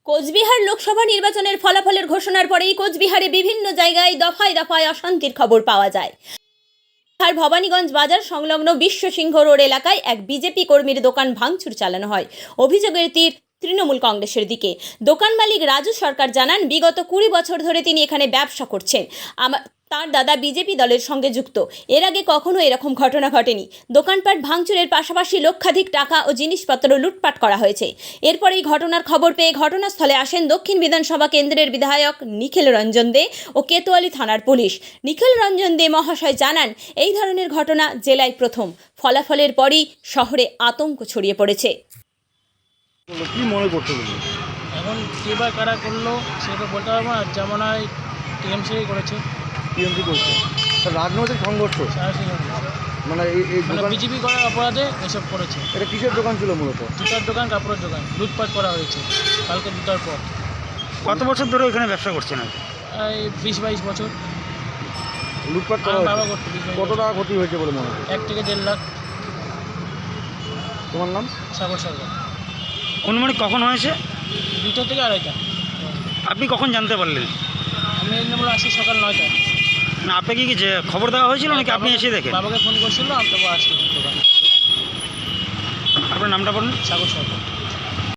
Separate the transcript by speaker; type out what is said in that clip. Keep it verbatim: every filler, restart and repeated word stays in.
Speaker 1: কোচবিহার লোকসভা নির্বাচনের ফলাফলের ঘোষণার পরেই কোচবিহারে বিভিন্ন জায়গায় দফায় দফায় অশান্তির খবর পাওয়া যায়। আর ভবানীগঞ্জ বাজার সংলগ্ন বিশ্ব সিংহ রোড এলাকায় এক বিজেপি কর্মীর দোকান ভাঙচুর চালানো হয়। অভিযোগের তীর তৃণমূল কংগ্রেসের দিকে। দোকান মালিক রাজু সরকার জানান, বিগত কুড়ি বছর ধরে তিনি এখানে ব্যবসা করছেন। আমার তার দাদা বিজেপি দলের সঙ্গে যুক্ত। এর আগে কখনো এরকম ঘটনা ঘটেনি। দোকানপাট ভাঙচুরের পাশাপাশি লক্ষাধিক টাকা ও জিনিসপত্র লুটপাট করা হয়েছে। এরপর এই ঘটনার খবর পেয়ে ঘটনাস্থলে আসেন দক্ষিণ বিধানসভা কেন্দ্রের বিধায়ক নিখিল রঞ্জন দে ও কেতোয়ালি থানার পুলিশ। নিখিল রঞ্জন দে মহাশয় জানান, এই ধরনের ঘটনা জেলায় প্রথম। ফলাফলের পরই শহরে আতঙ্ক ছড়িয়ে পড়েছে।
Speaker 2: কি মনে করতে গেলে
Speaker 3: এখন কে বা কারা করলো সেটা বলতে পারবো না। যেমন হয় টিএমসি করেছে,
Speaker 2: টিএমসি করছে রাজনৈতিক সংঘর্ষ,
Speaker 3: সাহসী করেছে।
Speaker 2: মানে এই এই
Speaker 3: মানে
Speaker 2: দোকান
Speaker 3: বিজেপি করার অপরাধে এসব করেছে।
Speaker 2: এটা কিসের দোকান ছিল মূলত?
Speaker 3: জুতার দোকান, কাপড়ের দোকান লুটপাট করা হয়েছে কালকে দুটার পর।
Speaker 4: কত বছর ধরে এখানে ব্যবসা করছেন?
Speaker 3: এই বিশ বাইশ বছর
Speaker 2: লুটপাট করা
Speaker 3: আমার বাবা
Speaker 2: হয়েছে।
Speaker 3: করতো। বিশ বাইশ
Speaker 2: কত
Speaker 3: বছর।
Speaker 2: টাকা ক্ষতি হয়েছে বলে মনে হয়?
Speaker 3: এক থেকে দেড় লাখ।
Speaker 2: তোমার নাম?
Speaker 3: সাগর সরকার।
Speaker 4: অনুমানিক কখন হয়েছে?
Speaker 3: দুটো থেকে আড়াইটা।
Speaker 4: আপনি কখন জানতে পারলেন?
Speaker 3: আমি এই নম্বর আসি সকাল নয়টা।
Speaker 4: না, আপনাকে কি যে খবর দেওয়া হয়েছিল নাকি আপনি এসে দেখেন?
Speaker 3: বাবাকে ফোন করছিল, আমি তারপর আসি দোকানে।
Speaker 4: আপনার নামটা বলুন।
Speaker 3: সাগর সরকার।